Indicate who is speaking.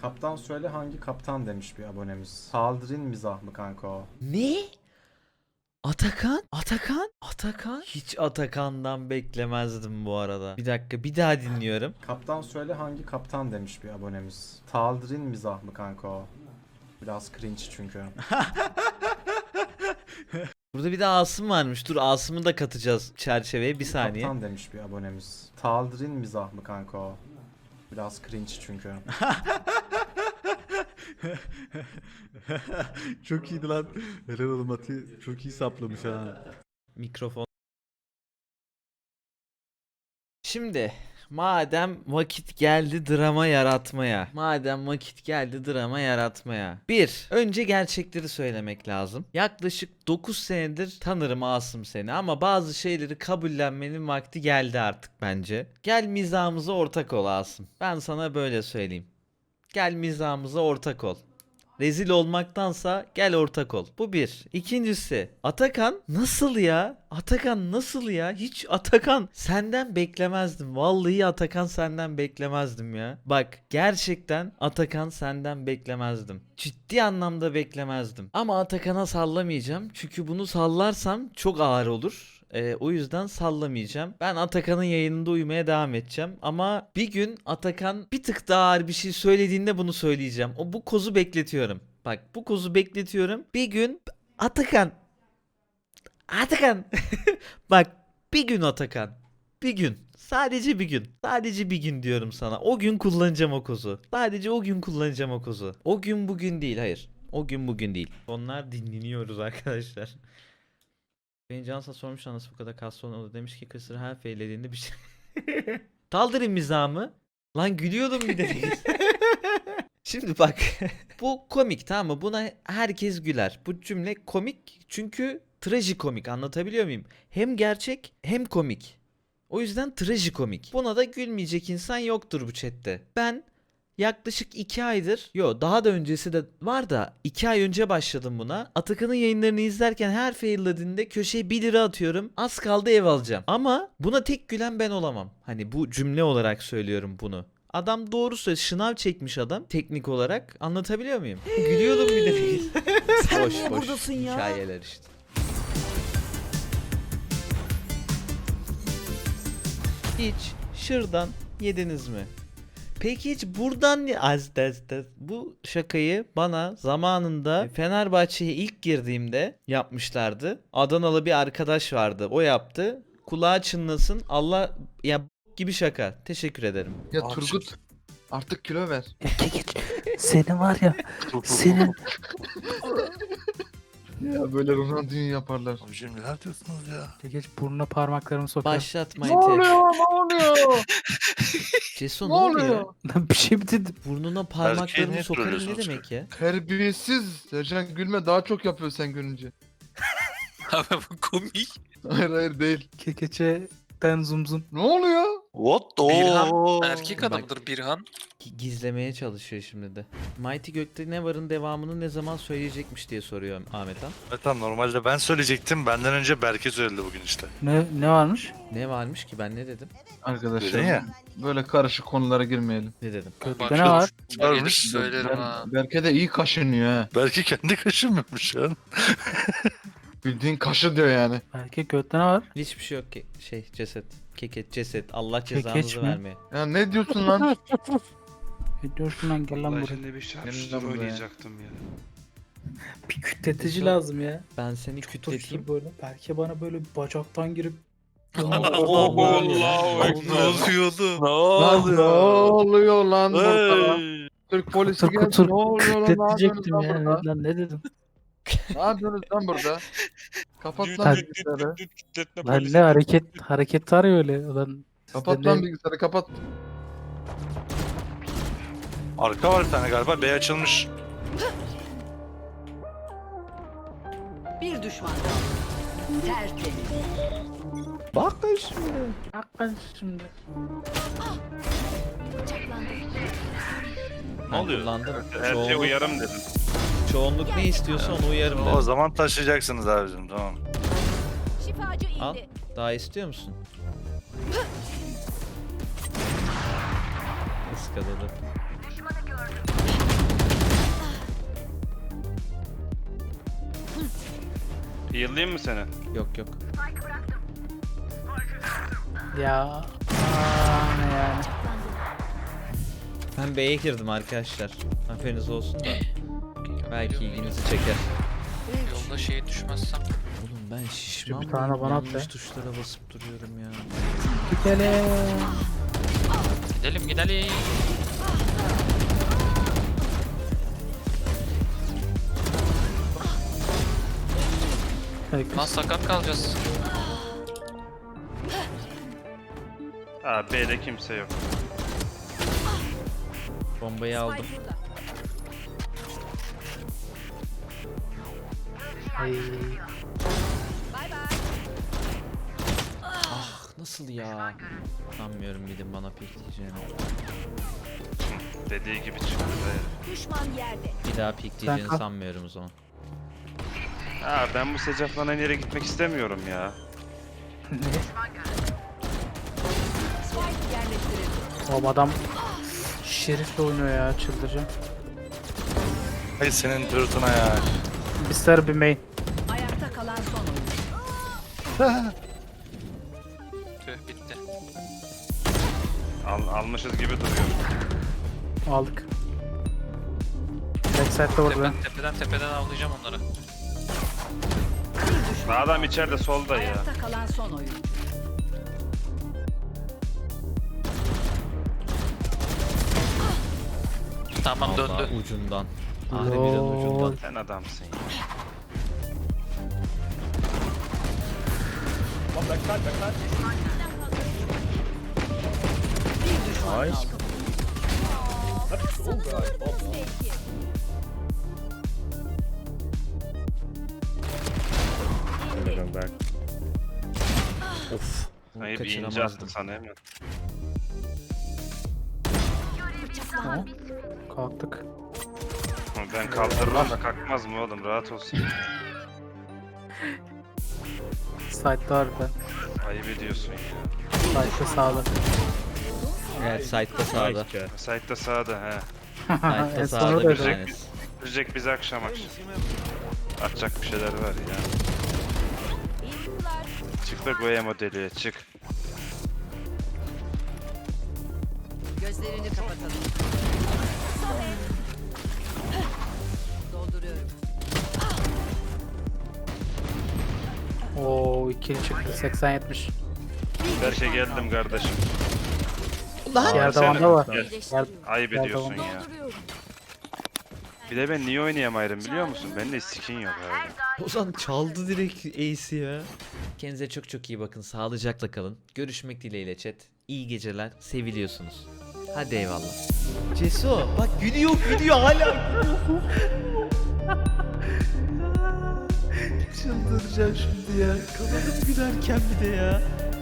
Speaker 1: Kaptan söyle hangi kaptan demiş bir abonemiz. Saldırın mizah mı kanka o?
Speaker 2: Ne? Atakan? Atakan? Atakan? Hiç Atakan'dan beklemezdim bu arada. Bir dakika, bir daha dinliyorum.
Speaker 1: Kaptan söyle hangi kaptan demiş bir abonemiz. Saldırın mizah mı kanka o? Biraz cringe çünkü.
Speaker 2: Burada bir de Asım varmış. Dur, Asım'ı da katacağız çerçeveye, bir saniye.
Speaker 1: Kaptan demiş bir abonemiz. Saldırın mizah mı kanka o? Biraz cringe çünkü.
Speaker 3: Çok iyiydi lan. Helal oğlum Ati. Çok iyi saplamış ha.
Speaker 2: Mikrofon. Şimdi madem vakit geldi drama yaratmaya. Madem vakit geldi drama yaratmaya. Önce gerçekleri söylemek lazım. Yaklaşık 9 senedir tanırım Asım seni ama bazı şeyleri kabullenmenin vakti geldi artık bence. Gel mizahımıza ortak ol Asım. Ben sana böyle söyleyeyim. Gel mizahımıza ortak ol. Rezil olmaktansa gel ortak ol. Bu bir. İkincisi, Atakan nasıl ya? Atakan nasıl ya? Hiç Atakan senden beklemezdim. Vallahi Atakan senden beklemezdim ya. Bak, gerçekten Atakan senden beklemezdim. Ciddi anlamda beklemezdim. Ama Atakan'a sallamayacağım. Çünkü bunu sallarsam çok ağır olur. O yüzden sallamayacağım. Ben Atakan'ın yayınında uyumaya devam edeceğim. Ama bir gün Atakan bir tık daha ağır bir şey söylediğinde bunu söyleyeceğim. Bu kozu bekletiyorum. Bak, bu kozu bekletiyorum. Bir gün Atakan. Bak, bir gün Atakan. Bir gün. Sadece bir gün. Sadece bir gün diyorum sana. O gün kullanacağım o kozu. Sadece o gün kullanacağım o kozu. O gün bugün değil, hayır. O gün bugün değil. Onlar dinleniyoruz arkadaşlar. Beni Cansa sormuş nasıl bu kadar kaslı oldu, demiş ki kısır her feylediğinde bir şey. Kaldırın mizahımı. Lan gülüyordum bir de. Şimdi bak. Bu komik, tamam mı? Buna herkes güler. Bu cümle komik çünkü trajikomik, anlatabiliyor muyum? Hem gerçek hem komik. O yüzden trajikomik. Buna da gülmeyecek insan yoktur bu chatte. Ben yaklaşık 2 aydır, daha da öncesi de var da 2 ay önce başladım buna. Atakan'ın yayınlarını izlerken her faillediğinde köşeye 1 lira atıyorum. Az kaldı ev alacağım. Ama buna tek gülen ben olamam. Hani bu cümle olarak söylüyorum bunu. Adam doğru söylüyor. Şınav çekmiş adam teknik olarak. Anlatabiliyor muyum? Gülüyordum bir de.
Speaker 4: Sen
Speaker 2: boş
Speaker 4: niye
Speaker 2: boş
Speaker 4: buradasın ya?
Speaker 2: hikayeler işte. Hiç şırdan yediniz mi? Peki hiç buradan bu şakayı bana zamanında Fenerbahçe'ye ilk girdiğimde yapmışlardı. Adanalı bir arkadaş vardı. O yaptı. Kulağı çınlasın. Allah ya, gibi şaka. Teşekkür ederim.
Speaker 5: Ya Turgut artık kilo ver.
Speaker 4: Geç. Senin var ya. Senin.
Speaker 5: Ya böyle Ronaldinho yaparlar.
Speaker 6: Abicim neler diyorsunuz ya?
Speaker 4: Geç burnuna parmaklarımı sokar.
Speaker 2: Başlatma
Speaker 5: Ne
Speaker 2: Ete.
Speaker 5: oluyor? Ne oluyor?
Speaker 2: Ceso
Speaker 5: Ne
Speaker 2: ne oluyor?
Speaker 5: oluyor?
Speaker 4: Lan bir şey mi dedim?
Speaker 2: Burnuna parmaklarımı
Speaker 6: niye
Speaker 2: sokarım ne
Speaker 6: trollüyorsunuz
Speaker 2: demek ya?
Speaker 5: Terbiyesiz. Sercan gülme daha çok yapıyor sen gülünce.
Speaker 6: Abi bu komik.
Speaker 5: Hayır hayır değil.
Speaker 4: Kekeçe'den zum zum.
Speaker 5: Ne oluyor?
Speaker 6: What the?
Speaker 7: Birhan erkek
Speaker 2: Bak.
Speaker 7: adamıdır Birhan.
Speaker 2: Gizlemeye çalışıyor şimdi de. Mighty Gökte ne varın devamını ne zaman söyleyecekmiş diye soruyor Ahmet Han.
Speaker 6: Evet tamam, normalde ben söyleyecektim. Benden önce Berke söyledi bugün işte.
Speaker 4: Ne varmış?
Speaker 2: Ne varmış ki, ben ne dedim?
Speaker 5: Arkadaşlar
Speaker 6: Dedin ya.
Speaker 5: böyle karışık konulara girmeyelim.
Speaker 2: Ne dedim?
Speaker 4: Gökte ne var?
Speaker 6: Varmış.
Speaker 7: Söylerim ha.
Speaker 5: Berke de iyi kaşınıyor ha.
Speaker 6: Berke kendi kaşınmıyormuş ya.
Speaker 5: Bildiğin kaşı diyor yani.
Speaker 4: Erkek gökte ne var?
Speaker 2: Hiçbir şey yok ki. Ceset. Keket ceset. Allah
Speaker 4: Kekeç
Speaker 2: cezanızı
Speaker 4: mi?
Speaker 2: vermeye.
Speaker 5: Ya ne diyorsun lan?
Speaker 4: Ne diyorsun lan, gel lan buraya.
Speaker 8: Şimdi bir şarkı
Speaker 5: Yanında mı be?
Speaker 8: oynayacaktım ya.
Speaker 4: Bir kütletici lazım ya.
Speaker 2: Ben seni kütleteyim.
Speaker 4: Tutuştur böyle. Belki bana böyle bacaktan girip.
Speaker 6: Allah
Speaker 7: Ekber.
Speaker 6: Ne oluyordu?
Speaker 5: Lan ne oluyor lan burada?
Speaker 6: Hey.
Speaker 5: Türk polisi
Speaker 4: Kutur
Speaker 5: geldi.
Speaker 4: kutur
Speaker 5: Ne oluyor lan? Ne yapıyorsunuz
Speaker 4: kütletecektim
Speaker 5: lan
Speaker 4: ya.
Speaker 5: burada?
Speaker 4: Lan ne dedim?
Speaker 5: Ne yapıyorsunuz lan burada? Kapat lan
Speaker 4: Tabii.
Speaker 5: bilgisayarı.
Speaker 4: Lan ne hareket var ya öyle. Lan
Speaker 5: Kapat lan bilgisayarı kapat.
Speaker 6: Arka var bir tane galiba. B açılmış.
Speaker 9: Bir düşman kaldı. Tertemiz.
Speaker 2: Bakın şimdi.
Speaker 4: Hakkın şimdi.
Speaker 6: Ne oluyor?
Speaker 2: Kullandım.
Speaker 8: Her şey uyarım dedim.
Speaker 2: Çoğunluk ne istiyorsa onu uyarım
Speaker 6: O
Speaker 2: dedim.
Speaker 6: zaman taşıyacaksınız abicim, tamam.
Speaker 9: Şifacı
Speaker 2: Al.
Speaker 9: indi.
Speaker 2: Daha istiyor musun? Iskaladı.
Speaker 7: Heal'layayım mı seni?
Speaker 2: Yok yok.
Speaker 4: Ya. Ne yani.
Speaker 2: Ben B'ye girdim arkadaşlar. Haberiniz olsun da. Belki ilginizi çeker.
Speaker 8: Yolda şeye düşmezsem.
Speaker 2: Oğlum ben şişman
Speaker 4: Bir tane
Speaker 2: mıyım?
Speaker 4: bana at
Speaker 2: Yanlış
Speaker 4: be.
Speaker 2: tuşlara basıp duruyorum ya.
Speaker 4: Gidelim.
Speaker 8: Gidelim gidelim.
Speaker 4: Peki.
Speaker 8: Lan sakat kalacağız.
Speaker 7: Aa B'de kimse yok.
Speaker 2: Bombayı aldım.
Speaker 9: Spike burada.
Speaker 4: Ay.
Speaker 9: Bay bay.
Speaker 2: Ah nasıl ya? Sanmıyorum bildim bana pikleyeceğini.
Speaker 7: Dediği gibi çıktı be.
Speaker 9: Düşman yerde.
Speaker 2: Bir daha pikleyeceğini
Speaker 4: Kanka.
Speaker 2: sanmıyorum o zaman.
Speaker 7: Aa ben bu sıcaklanan yere gitmek istemiyorum ya.
Speaker 9: Spike yerleştirildi.
Speaker 4: Oğlum adam Şerif'le oynuyor ya, çıldıracağım.
Speaker 6: Hay senin dırtına ya.
Speaker 4: Bir sarı bir main.
Speaker 9: Ayakta kalan son oyuncu.
Speaker 8: Tüh bitti.
Speaker 7: Almışız gibi duruyor.
Speaker 4: Aldık. Backside'de vurdu ben.
Speaker 8: Tepeden avlayacağım onları.
Speaker 9: Bir düşman.
Speaker 7: Adam içeride solda ya.
Speaker 9: Ayakta kalan son oyuncu.
Speaker 8: Tamam
Speaker 2: Allah
Speaker 8: döndü.
Speaker 2: ucundan. Harbiden ucundan.
Speaker 7: Sen adamsın ya.
Speaker 9: Bir düşman kaldı.
Speaker 2: Of.
Speaker 7: Hayır bir ince
Speaker 2: Kaçıramazdım.
Speaker 7: attı sana hemen.
Speaker 4: Tamam. Kalktık.
Speaker 7: Ben kaldırırım da kalkmaz mı oğlum rahat olsun.
Speaker 4: Side'da harbiden.
Speaker 7: Ayıp ediyorsun ya.
Speaker 4: Side'da sağda.
Speaker 2: Evet site'da sağda.
Speaker 7: Site'da sağda he.
Speaker 2: Site'da
Speaker 4: En
Speaker 2: sağda
Speaker 4: sonu
Speaker 2: bir
Speaker 4: da
Speaker 2: tanesi.
Speaker 7: Görecek bizi akşam. Atacak bir şeyler var ya. Çık da Goya modeliye çık.
Speaker 9: Gözlerini kapatalım. Dolduruyorum.
Speaker 4: Oo, ikili çıktı 80-70.
Speaker 7: Berke geldim kardeşim.
Speaker 4: Yer
Speaker 7: Sen-
Speaker 4: davanda var.
Speaker 7: Gel.
Speaker 4: Yer,
Speaker 7: Ayıp
Speaker 4: Gel,
Speaker 7: ediyorsun
Speaker 4: tamam.
Speaker 7: ya. Bir de ben niye oynayamayırım biliyor musun? Bende skin yok abi.
Speaker 2: Ozan çaldı direkt ace'i ya. Kendinize çok çok iyi bakın. Sağlıcakla kalın. Görüşmek dileğiyle chat. İyi geceler. Seviliyorsunuz. Hadi eyvallah. Ceso bak gülüyor hala gülüyor. Çıldıracağım şimdi ya. Kanadım gülerken bir de ya.